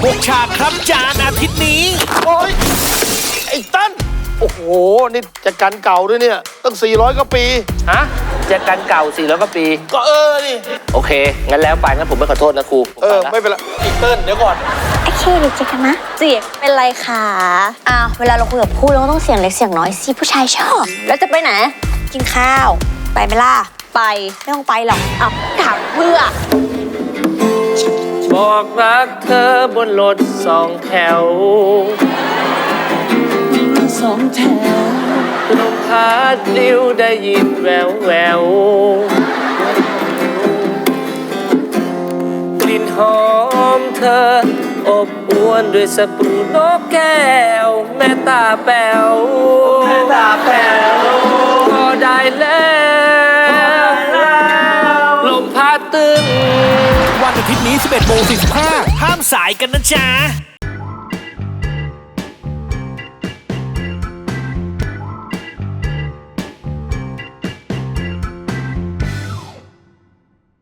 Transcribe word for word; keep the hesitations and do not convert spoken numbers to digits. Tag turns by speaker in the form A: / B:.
A: หกฉากครับจานอาทิตย์นี้
B: โอ้ยไอ้ตั้นโอ้โหนี่จะกันเก่าด้วยเนี่ยตั้งสี่ร้อยกว่าปี
C: ฮะจะกันเก่าสี่ร้อยกว่าปี
B: ก็เออนี่
C: โอเค งั้นแล้วไปงั้นผมไม่ขอโทษนะครู
B: เออไม่เป็นไรไอ้เติ้ลเดี๋ยวก่อน
D: โอเคเด็กเจอกันนะเสียงเป็นไรคะอ้าวเวลาเราคุยกับผู้เราก็ต้องเสียงเล็กเสียงน้อยสิผู้ชายชอบ แล้วจะไปไหนกินข้าวไปไหมล่ะไปไม่ต้องไปหรอกอ้าวถามเพื่อ
C: บอกรักเธอบนรถสองแถวสองแถวลมพัดลิ้วได้ยินแววแววกลิ่นหอมเธออบอวนด้วยสปรูนกแก้วแม่ตาแป๋วแม่ตาแป๋วพอได้แล้วลมพัดตึง
A: วันอาทิตย์นี้ สิบเอ็ดโมงสี่สิบห้า ห้ามสายกันนะจ๊ะ